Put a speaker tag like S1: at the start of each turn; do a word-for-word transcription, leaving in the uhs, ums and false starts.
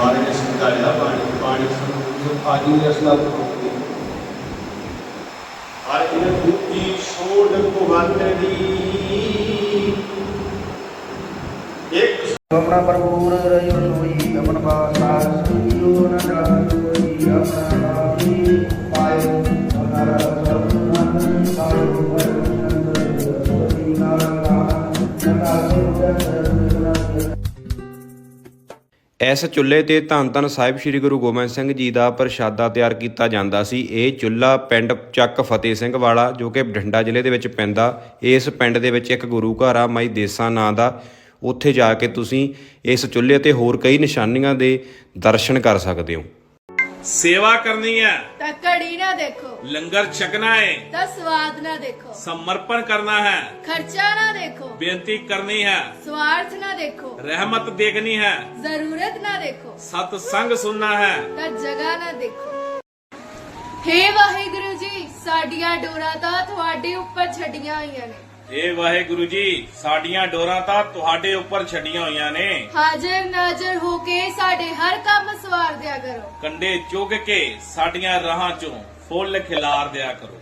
S1: महाराज ने समझाया पानी पानी आदि रसना और इन बुद्धि छोड़ को वांदरी एक
S2: अपना प्रभुर रयो सोई अपन पासा सुनियो न जाई अपना पाई पायो हमारा सर्वनाथ सारो परमनंद सोई नारा
S3: ਇਸ ਚੁੱਲ੍ਹੇ ਤੇ ਧੰਨ ਧੰਨ ਸਾਹਿਬ ਸ੍ਰੀ ਗੁਰੂ ਗੋਬਿੰਦ ਸਿੰਘ ਜੀ ਦਾ ਪ੍ਰਸ਼ਾਦਾ ਤਿਆਰ ਕੀਤਾ ਜਾਂਦਾ ਸੀ। ਇਹ ਚੁੱਲ੍ਹਾ ਪਿੰਡ ਚੱਕ ਫਤਿਹ ਸਿੰਘ ਵਾਲਾ ਜੋ ਕਿ ਬਠਿੰਡਾ ਜ਼ਿਲ੍ਹੇ ਦੇ ਵਿੱਚ ਪੈਂਦਾ। ਇਸ ਪਿੰਡ ਦੇ ਵਿੱਚ ਇੱਕ ਗੁਰੂ ਘਰ ਆ ਮਾਈ ਦੇਸਾਂ ਨਾਂ ਦਾ। ਉੱਥੇ ਜਾ ਕੇ ਤੁਸੀਂ ਇਸ ਚੁੱਲ੍ਹੇ ਤੇ ਹੋਰ ਕਈ ਨਿਸ਼ਾਨੀਆਂ ਦੇ ਦਰਸ਼ਨ ਕਰ ਸਕਦੇ ਹੋ।
S4: सेवा करनी है
S5: ਤਾਂ ਘੜੀ ਨਾ ਦੇਖੋ,
S4: लंगर छकना है
S5: ਤਾਂ ਸਵਾਦ ਨਾ ਦੇਖੋ,
S4: समर्पण करना है
S5: ਖਰਚਾ ਨਾ ਦੇਖੋ,
S4: बेनती करनी है
S5: ਸਵਾਰਥ ਨਾ ਦੇਖੋ,
S4: रहमत देखनी है
S5: ਜ਼ਰੂਰਤ ਨਾ ਦੇਖੋ,
S4: सत्संग सुनना है।
S5: ਤਾਂ ਜਗ੍ਹਾ ਨਾ ਦੇਖੋ। ਹੇ ਵਾਹਿਗੁਰੂ ਜੀ, ਸਾਡੀਆਂ ਡੋਰਾਂ ਤਾਂ ਤੁਹਾਡੇ ਉੱਪਰ ਛੱਡੀਆਂ ਹੋਈਆਂ ਨੇ।
S4: हे वाहेगुरु जी साडियां डोरां तां तुहाडे उपर छड्डियां होईयां ने।
S5: ਹਾਜ਼ਰ ਨਾਜ਼ਰ ਹੋ ਕੇ ਸਾਡੇ ਹਰ ਕੰਮ ਸਵਾਰ ਦਿਆ ਕਰੋ।
S4: कंडे चुग के साडियां राहां चों फुल खिलार दिया करो।